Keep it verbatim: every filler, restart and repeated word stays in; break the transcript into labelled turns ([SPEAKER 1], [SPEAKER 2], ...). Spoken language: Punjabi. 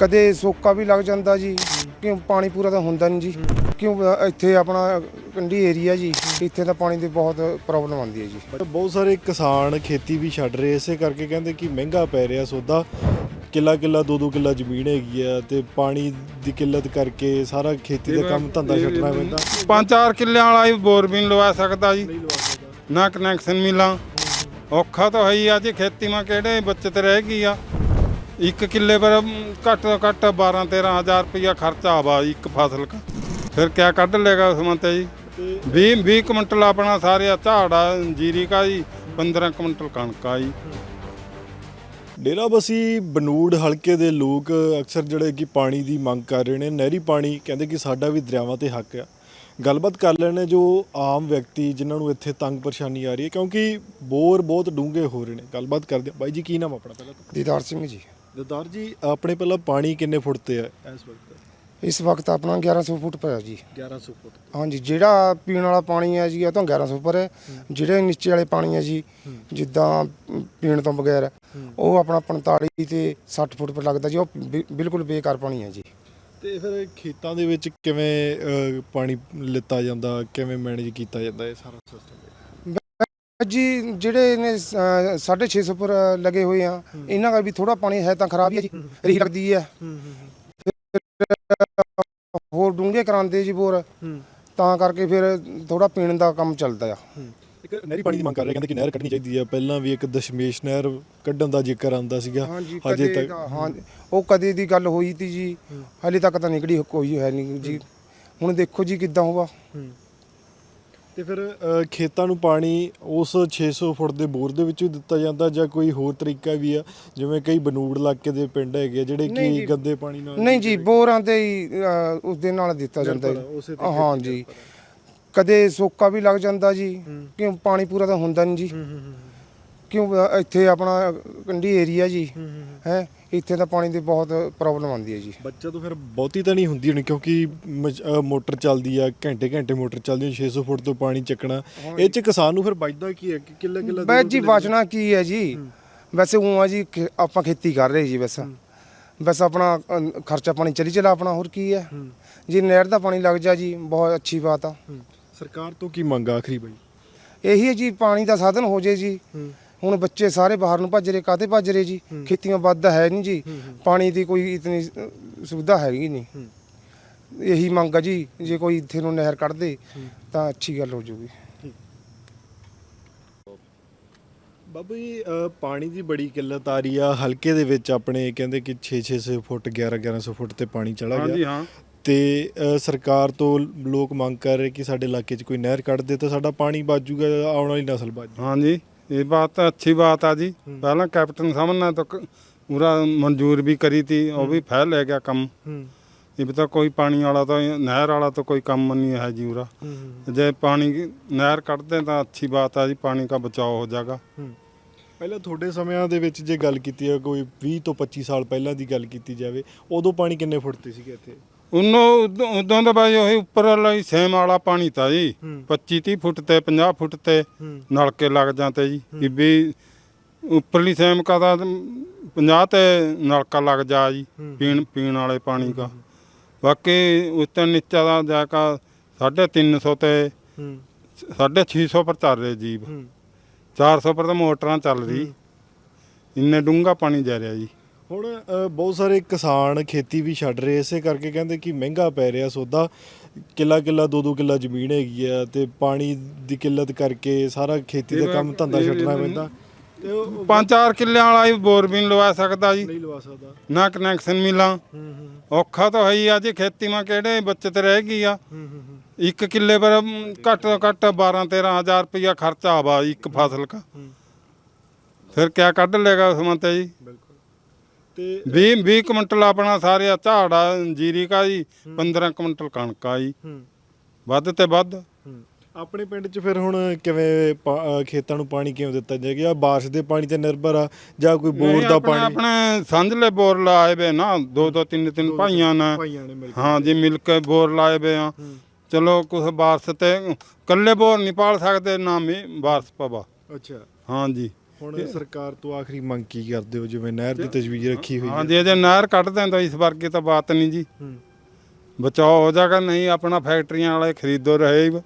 [SPEAKER 1] कदे सोका भी लग जाता जी, क्यों पानी पूरा तो होंदा नहीं जी, क्यों इत्थे अपना कंढी एरिया जी, इत्थे तो पानी की बहुत प्रॉब्लम आती है जी।
[SPEAKER 2] बहुत सारे किसान खेती भी छड्ड रहे इसे करके कहते कि महंगा पै रहा सौदा, किला किला दो दो किला ਜ਼ਮੀਨ ਹੈਗੀ ਆ ਤੇ ਪਾਣੀ ਦੀ ਕਿੱਲਤ ਕਰਕੇ ਸਾਰਾ ਖੇਤੀ ਦਾ ਕੰਮ ਧੰਦਾ ਛੱਡਣਾ ਪੈਂਦਾ।
[SPEAKER 3] ਪੰਜ ਚਾਰ ਕਿੱਲਿਆਂ ਵਾਲਾ ਹੀ ਬੋਰ ਵੀ ਨਹੀਂ ਲਵਾ ਸਕਦਾ ਜੀ, ਨਾ ਕਨੈਕਸ਼ਨ ਮਿਲਾਂ, ਔਖਾ ਤਾਂ ਹੈ ਹੀ ਆ ਜੀ। ਖੇਤੀ ਮਾ ਕਿਹੜੇ ਬੱਚਤ ਰਹਿ ਗਈ ਆ, ਇੱਕ ਕਿੱਲੇ ਪਰ ਘੱਟ ਤੋਂ ਘੱਟ ਬਾਰਾਂ ਤੇਰਾਂ ਹਜ਼ਾਰ ਰੁਪਇਆ ਖਰਚਾ ਆਵਾ ਇੱਕ ਫਸਲ ਦਾ, ਫਿਰ ਕਿਆ ਕੱਢ ਲੇਗਾ ਉਸ ਮੰਤੇ ਜੀ। ਵੀਹ ਵੀਹ ਕੁਇੰਟਲ ਆਪਣਾ ਸਾਰੇ ਝਾੜਾ ਜੀਰੀ ਕਾ ਜੀ, ਪੰਦਰਾਂ ਕੁਇੰਟਲ ਕਣਕ ਆ ਜੀ।
[SPEAKER 2] ਡੇਰਾਬੱਸੀ ਬਨੂੜ ਹਲਕੇ ਦੇ ਲੋਕ ਅਕਸਰ ਜਿਹੜੇ ਕਿ ਪਾਣੀ ਦੀ ਮੰਗ ਕਰ ਰਹੇ ਨੇ, ਨਹਿਰੀ ਪਾਣੀ ਕਹਿੰਦੇ ਕਿ ਸਾਡਾ ਵੀ ਦਰਿਆਵਾਂ ਤੇ ਹੱਕ ਆ। ਗੱਲਬਾਤ ਕਰ ਲੈਣੇ ਜੋ ਆਮ ਵਿਅਕਤੀ ਜਿਨ੍ਹਾਂ ਨੂੰ ਇੱਥੇ ਤੰਗ ਪਰੇਸ਼ਾਨੀ ਆ ਰਹੀ ਹੈ, ਕਿਉਂਕਿ ਬੋਰ ਬਹੁਤ ਡੂੰਘੇ ਹੋ ਰਹੇ ਨੇ। ਗੱਲਬਾਤ ਕਰਦੇ ਬਾਈ ਜੀ, ਕੀ ਨਾਮ ਆਪਣਾ ਪਹਿਲਾਂ?
[SPEAKER 1] दीदार सिंह जी।
[SPEAKER 2] ਦਦਾਰ ਜੀ, ਆਪਣੇ ਪਹਿਲਾਂ ਪਾਣੀ ਕਿੰਨੇ ਫੁੱਟ ਤੇ ਹੈ ਇਸ ਵਕਤ?
[SPEAKER 1] इस वक्त अपना ग्यारह सौ फुट पर है जी।
[SPEAKER 2] ਗਿਆਰਾਂ ਸੌ ਫੁੱਟ।
[SPEAKER 1] हाँ जी, ਜਿਹੜਾ ਪੀਣ ਵਾਲਾ ਪਾਣੀ ਹੈ ਜੀ ਉਹ ਤਾਂ ਗਿਆਰਾਂ ਸੌ ਪਰ ਹੈ। ਜਿਹੜੇ ਨੀਚੇ ਵਾਲੇ ਪਾਣੀ ਹੈ ਜੀ, ਜਿੱਦਾਂ ਪੀਣ ਤੋਂ ਬਗੈਰ ਉਹ ਆਪਣਾ ਪੰਤਾਲੀ ਤੇ ਸੱਠ ਫੁੱਟ ਪਰ ਲੱਗਦਾ ਜੀ, ਉਹ ਬਿ- ਬਿਲਕੁਲ ਬੇਕਾਰ ਪਾਣੀ ਹੈ ਜੀ।
[SPEAKER 2] ਤੇ ਫਿਰ ਖੇਤਾਂ ਦੇ ਵਿੱਚ ਕਿਵੇਂ ਅਹ, ਪਾਣੀ ਲਿੱਤਾ ਜਾਂਦਾ, ਕਿਵੇਂ ਮੈਨੇਜ ਕੀਤਾ ਜਾਂਦਾ ਇਹ ਸਾਰਾ ਸਿਸਟਮ?
[SPEAKER 1] ਜੀ ਜਿਹੜੇ ਨੇ ਅ, ਸਾਢੇ ਛੇ ਸੌ ਪਰ ਲਗੇ ਹੋਏ ਆ, ਇਹਨਾਂ ਦਾ ਵੀ ਥੋੜਾ ਪਾਣੀ ਹੈ ਤਾਂ ਖਰਾਬ ਹੀ ਹੈ ਜੀ, ਰੀ ਲੱਗਦੀ ਹੈ। ਹੋਰ ਡੂੰਘੇ ਕਰਾਉਂਦੇ ਜੀ ਬੋਰ, ਤਾਂ ਕਰਕੇ ਫਿਰ ਥੋੜਾ ਪੀਣ ਦਾ ਕੰਮ ਚੱਲਦਾ ਆ।
[SPEAKER 2] ਇੱਕ ਨਹਿਰੀ ਪਾਣੀ ਦੀ ਮੰਗ ਕਰ ਰਹੇ, ਕਹਿੰਦੇ ਕਿ ਨਹਿਰ ਕੱਢਣੀ ਚਾਹੀਦੀ ਹੈ। ਪਹਿਲਾਂ ਵੀ ਇੱਕ ਦਸ਼ਮੇਸ਼ ਨਹਿਰ ਕੱਢਣ ਦਾ ਜ਼ਿਕਰ ਆਉਂਦਾ ਸੀਗਾ,
[SPEAKER 1] ਹਾਂਜੀ
[SPEAKER 2] ਹਜੇ
[SPEAKER 1] ਕਦੇ
[SPEAKER 2] ਤੱਕ
[SPEAKER 1] ਤਾਂ- ਹਾਂ ਉਹ ਕਦੇ ਦੀ ਗੱਲ ਹੋਈ ਤੀ ਜੀ, ਹਲੇ ਤੱਕ ਤਾਂ ਨਿਕੜੀ ਕੋਈ ਹੈ ਨਹੀਂ ਜੀ। ਹੁਣ ਦੇਖੋ ਜੀ ਕਿੱਦਾਂ ਹੋਗਾ।
[SPEAKER 2] ਤੇ ਫਿਰ ਅਹ, ਖੇਤਾਂ ਨੂੰ ਪਾਣੀ ਉਸ ਛੇ ਸੌ ਫੁੱਟ ਦੇ ਬੋਰ ਦੇ ਵਿੱਚੋਂ ਹੀ ਦਿੱਤਾ ਜਾਂਦਾ ਜਾਂ ਕੋਈ ਹੋਰ ਤਰੀਕਾ ਵੀ ਆ? ਜਿਵੇਂ ਕਈ ਬਨੂੜ ਇਲਾਕੇ ਦੇ ਪਿੰਡ ਹੈਗੇ ਜਿਹੜੇ
[SPEAKER 1] ਨਹੀਂ
[SPEAKER 2] ਕਿ
[SPEAKER 1] ਜੀ।
[SPEAKER 2] ਗੰਦੇ ਪਾਣੀ ਨਾਲ
[SPEAKER 1] ਨਹੀਂ ਜੀ, ਬੋਰਾਂ ਤੇ ਹੀ ਅ, ਉਸ ਦੇ ਨਾਲ ਦਿੱਤਾ ਜਾਂਦਾ
[SPEAKER 2] ਨਿਰਭਰ ਆ, ਉਸੇ
[SPEAKER 1] ਹੈ।
[SPEAKER 2] ਤੇ
[SPEAKER 1] ਹਾਂ ਜੀ, ਕਦੇ ਸੋਕਾ ਵੀ ਲੱਗ ਜਾਂਦਾ ਜੀ, ਕਿਉਂ ਪਾਣੀ ਪੂਰਾ ਤਾਂ ਹੁੰਦਾ ਨਹੀਂ ਜੀ, ਕਿਉਂ ਇੱਥੇ ਆਪਣਾ ਕੰਢੀ ਏਰੀਆ ਜੀ ਹੈ, ਇੱਥੇ ਤਾਂ ਪਾਣੀ ਦੀ ਬਹੁਤ ਪ੍ਰੋਬਲਮ ਆਉਂਦੀ ਹੈ ਜੀ।
[SPEAKER 2] ਬੱਚਾ ਤਾਂ ਫਿਰ ਬਹੁਤੀ ਤਾਂ ਨਹੀਂ ਹੁੰਦੀ ਹੋਣੀ, ਕਿਉਂਕਿ ਮਜ- ਅਹ, ਮੋਟਰ ਚੱਲਦੀ ਆ, ਘੰਟੇ ਘੰਟੇ ਮੋਟਰ ਚੱਲਦੀ ਹੈ, ਛੇ ਸੌ ਫੁੱਟ ਤੋਂ ਪਾਣੀ ਚੱਕਣਾ। ਇਹ ਚ ਕਿਸਾਨ ਨੂੰ ਫਿਰ ਬਚਦਾ ਕੀ ਹੈ ਕਿ ਕਿੱਲਾ ਕਿੱਲਾ
[SPEAKER 1] ਬਸ ਜੀ ਬਚਣਾ ਕੀ ਹੈ ਜੀ, ਵੈਸੇ ਉਹ ਆ ਜੀ ਖੇ- ਆਪਾਂ ਖੇਤੀ ਕਰ ਰਹੇ ਜੀ, ਬਸ ਬਸ ਆਪਣਾ ਅ, ਖਰਚਾ ਪਾਣੀ ਚਲੀ ਚਲਾ ਆਪਣਾ, ਹੋਰ ਕੀ ਹੈ ਜੀ। ਨਹਿਰ ਦਾ ਪਾਣੀ ਲੱਗ ਜਾ ਜੀ, ਬਹੁਤ ਅੱਛੀ ਬਾਤ ਆ।
[SPEAKER 2] ਸਰਕਾਰ ਤੋਂ ਕੀ ਮੰਗ ਆਖਰੀ ਬਾਈ?
[SPEAKER 1] ਇਹੀ ਹੈ ਜੀ, ਪਾਣੀ ਦਾ ਸਾਧਨ ਹੋ ਜੇ ਜੀ। ਹੁਣ ਬੱਚੇ ਸਾਰੇ ਬਾਹਰ ਨੂੰ ਭੱਜ ਰਹੇ, ਕਾਹਤੇ ਭੱਜ ਰਹੇ ਜੀ? ਖੇਤੀਆਂ ਵੱਧ ਹੈ ਨਹੀਂ ਜੀ, ਪਾਣੀ ਦੀ ਕੋਈ ਇਤਨੀ ਅ, ਸੁਵਿਧਾ ਹੈਗੀ ਨਹੀਂ। ਇਹੀ ਮੰਗ ਆ ਜੀ, ਜੇ ਕੋਈ ਇੱਥੇ ਨੂੰ ਨਹਿਰ ਕੱਢ ਦੇ ਤਾਂ ਅੱਛੀ ਗੱਲ ਹੋ ਜੂਗੀ।
[SPEAKER 2] ਬਾਬੂ ਜੀ, ਅਹ, ਪਾਣੀ ਦੀ ਬੜੀ ਕਿੱਲਤ ਆ ਰਹੀ ਆ ਹਲਕੇ ਦੇ ਵਿੱਚ ਆਪਣੇ, ਕਹਿੰਦੇ ਕਿ ਛੇ ਛੇ ਸੌ ਫੁੱਟ ਗਿਆਰਾਂ ਗਿਆਰਾਂ ਸੌ ਫੁੱਟ ਤੇ ਪਾਣੀ ਚਲਾ
[SPEAKER 3] ਹਾਂਜੀ
[SPEAKER 2] ਗਿਆ।
[SPEAKER 3] ਹਾਂ,
[SPEAKER 2] ਤੇ ਅਹ, ਸਰਕਾਰ ਤੋਂ ਲੋਕ ਮੰਗ ਕਰ ਰਹੇ ਕਿ ਸਾਡੇ ਇਲਾਕੇ 'ਚ ਕੋਈ ਨਹਿਰ ਕੱਢ ਦੇ ਤਾਂ ਸਾਡਾ ਪਾਣੀ ਬਚ ਜੂਗਾ, ਆਉਣ ਵਾਲੀ ਨਸਲ ਬਚ ਜੂ।
[SPEAKER 3] ਹਾਂਜੀ ये बात तो अच्छी बात है जी। पहला कैप्टन साहब ने तो क- पूरा मंजूर भी करी थी, वो भी फैल है गया कम। ये भी तो कोई पानी वाला तो नहर वाला तो कोई कम नहीं है जी उरा। जे पानी की नहर ਕੱਢ ਦੇ ਤਾਂ अच्छी बात है जी, पानी का बचाव हो जाएगा।
[SPEAKER 2] ਪਹਿਲਾਂ ਤੁਹਾਡੇ ਸਮਿਆਂ ਦੇ ਵਿੱਚ ਜੇ ਗੱਲ ਕੀਤੀ ਹੈ, ਕੋਈ ਵੀਹ ਤੋਂ ਪੱਚੀ ਸਾਲ ਪਹਿਲਾਂ ਦੀ ਗੱਲ ਕੀਤੀ ਜਾਵੇ, ਉਦੋਂ ਪਾਣੀ ਕਿੰਨੇ ਫੁੱਟ ਤੇ ਸੀਗੇ ਇੱਥੇ?
[SPEAKER 3] ਉਨੋਂ ਉਦੋਂ ਤਾਂ ਬਾਈ ਉਹੀ ਉੱਪਰ ਵਾਲਾ ਹੀ ਸੇਮ ਵਾਲਾ ਪਾਣੀ ਤਾਂ ਜੀ, ਪੱਚੀ ਤੀਹ ਫੁੱਟ ਤੇ ਪੰਜਾਹ ਫੁੱਟ ਤੇ ਨਲਕੇ ਲੱਗ ਜਾਂਦੇ ਜੀ। ਇਹ ਵੀ ਉੱਪਰਲੀ ਸੇਮ ਕਾ ਤਾਂ ਪੰਜਾਹ ਤੇ ਨਲਕਾ ਲੱਗ ਜਾ ਜੀ, ਪੀਣ ਪੀਣ ਵਾਲੇ ਪਾਣੀ ਦਾ। ਬਾਕੀ ਉੱਤੇ ਨੀਚਾ ਦਾ ਜਾ ਕਾ ਸਾਢੇ ਤਿੰਨ ਸੌ ਤੇ ਸਾਢੇ ਛੇ ਸੌ ਪਰ ਚੱਲ ਰਹੇ ਜੀਵ, ਚਾਰ ਸੌ ਪਰ ਤਾਂ ਮੋਟਰਾਂ ਚੱਲ ਰਹੀ, ਇੰਨੇ ਡੂੰਘਾ ਪਾਣੀ ਜਾ ਰਿਹਾ ਜੀ।
[SPEAKER 2] ਹੁਣ ਅਹ, ਬਹੁਤ ਸਾਰੇ ਕਿਸਾਨ ਖੇਤੀ ਵੀ ਛੱਡ ਰਹੇ ਇਸੇ ਕਰਕੇ, ਕਹਿੰਦੇ ਕਿ ਮਹਿੰਗਾ ਪੈ ਰਿਹਾ ਸੌਦਾ, ਕਿੱਲਾ ਕਿੱਲਾ ਦੋ ਦੋ ਕਿੱਲਾ ਜ਼ਮੀਨ ਹੈਗੀ ਆ ਤੇ ਪਾਣੀ ਦੀ ਕਿੱਲਤ ਕਰਕੇ ਸਾਰਾ ਖੇਤੀ ਦਾ ਕੰਮ ਧੰਦਾ ਛੱਡਣਾ ਪੈਂਦਾ। ਤੇ ਉਹ
[SPEAKER 3] ਪੰਜ ਚਾਰ ਕਿੱਲਿਆਂ ਵਾਲਾ ਹੀ ਬੋਰ ਵੀ ਨਹੀਂ ਲਵਾ ਸਕਦਾ ਜੀ,
[SPEAKER 2] ਨਹੀਂ ਲਵਾ ਸਕਦਾ,
[SPEAKER 3] ਨਾ ਕਨੈਕਸ਼ਨ ਮਿਲਾਂ, ਔਖਾ ਤਾਂ ਹੈ ਹੀ ਆ ਜੀ। ਖੇਤੀ ਮਾ ਕਿਹੜੇ ਬੱਚਤ ਰਹਿ ਗਈ ਆ, ਇੱਕ ਕਿੱਲੇ ਪਰ ਘੱਟ ਤੋਂ ਘੱਟ ਬਾਰਾਂ ਤੇਰਾਂ ਹਜ਼ਾਰ ਰੁਪਇਆ ਖਰਚਾ ਆਵਾ ਇੱਕ ਫਸਲ ਦਾ, ਫਿਰ ਕਿਆ ਕੱਢ ਲੇਗਾ ਉਸ ਮੰਤੇ ਜੀ।
[SPEAKER 2] ਤੇ
[SPEAKER 3] ਵੀਹ ਵੀਹ ਕੁਇੰਟਲ ਆਪਣਾ ਸਾਰੇ ਝਾੜਾ ਜੀਰੀ ਕਾ ਜੀ, ਪੰਦਰਾਂ ਕੁਇੰਟਲ ਕਣਕ ਆ ਜੀ, ਵੱਧ ਤੇ ਵੱਧ।
[SPEAKER 2] ਆਪਣੇ ਪਿੰਡ 'ਚ ਫਿਰ ਹੁਣ ਕਿਵੇਂ ਪਾ- ਅਹ, ਖੇਤਾਂ ਨੂੰ ਪਾਣੀ ਕਿਉਂ ਦਿੱਤਾ ਜਾਏਗਾ? ਬਾਰਿਸ਼ ਦੇ ਪਾਣੀ ਤੇ ਨਿਰਭਰ ਆ ਜਾਂ ਕੋਈ ਬੋਰ
[SPEAKER 3] ਨਹੀਂ,
[SPEAKER 2] ਦਾ
[SPEAKER 3] ਆਪਣੇ
[SPEAKER 2] ਪਾਣੀ?
[SPEAKER 3] ਆਪਣੇ ਸੰਝਲੇ ਬੋਰ ਲਾਏ ਵੇ ਨਾ, ਦੋ ਦੋ ਤਿੰਨ ਤਿੰਨ ਭਾਈਆਂ ਨੇ,
[SPEAKER 2] ਭਾਈਆਂ ਨੇ ਮਿਲ ਕੇ।
[SPEAKER 3] ਹਾਂ ਜੀ, ਮਿਲ ਕੇ ਬੋਰ ਲਾਏ ਵੇ ਆ। ਚਲੋ ਕੁਛ ਬਾਰਸ ਤੇ ਕੱਲੇ ਬੋਰ ਨਹੀਂ ਪਾਲ ਸਕਦੇ, ਨਾ ਮੀਂਹ ਬਾਰਸ ਪਵਾ।
[SPEAKER 2] ਅੱਛਾ।
[SPEAKER 3] ਹਾਂ ਜੀ,
[SPEAKER 2] ਹੁਣ ਸਰਕਾਰ ਤੋਂ ਆਖਰੀ ਮੰਗ ਕੀ ਕਰਦੇ ਹੋ, ਜਿਵੇਂ ਨਹਿਰ ਦੀ ਤਜਵੀਜ਼ ਰੱਖੀ ਹੋਈ ਹੈ?
[SPEAKER 3] ਹਾਂਜੀ ਜੇ ਨਹਿਰ ਕੱਢ ਦਿੰਦਾ ਇਸ ਵਰਗੇ ਤਾਂ ਬਾਤ ਨਹੀਂ ਜੀ, ਬਚਾਓ ਹੋ ਜਾਗਾ। ਨਹੀਂ ਆਪਣਾ ਫੈਕਟਰੀਆਂ ਵਾਲੇ ਖਰੀਦੋ ਰਹੇ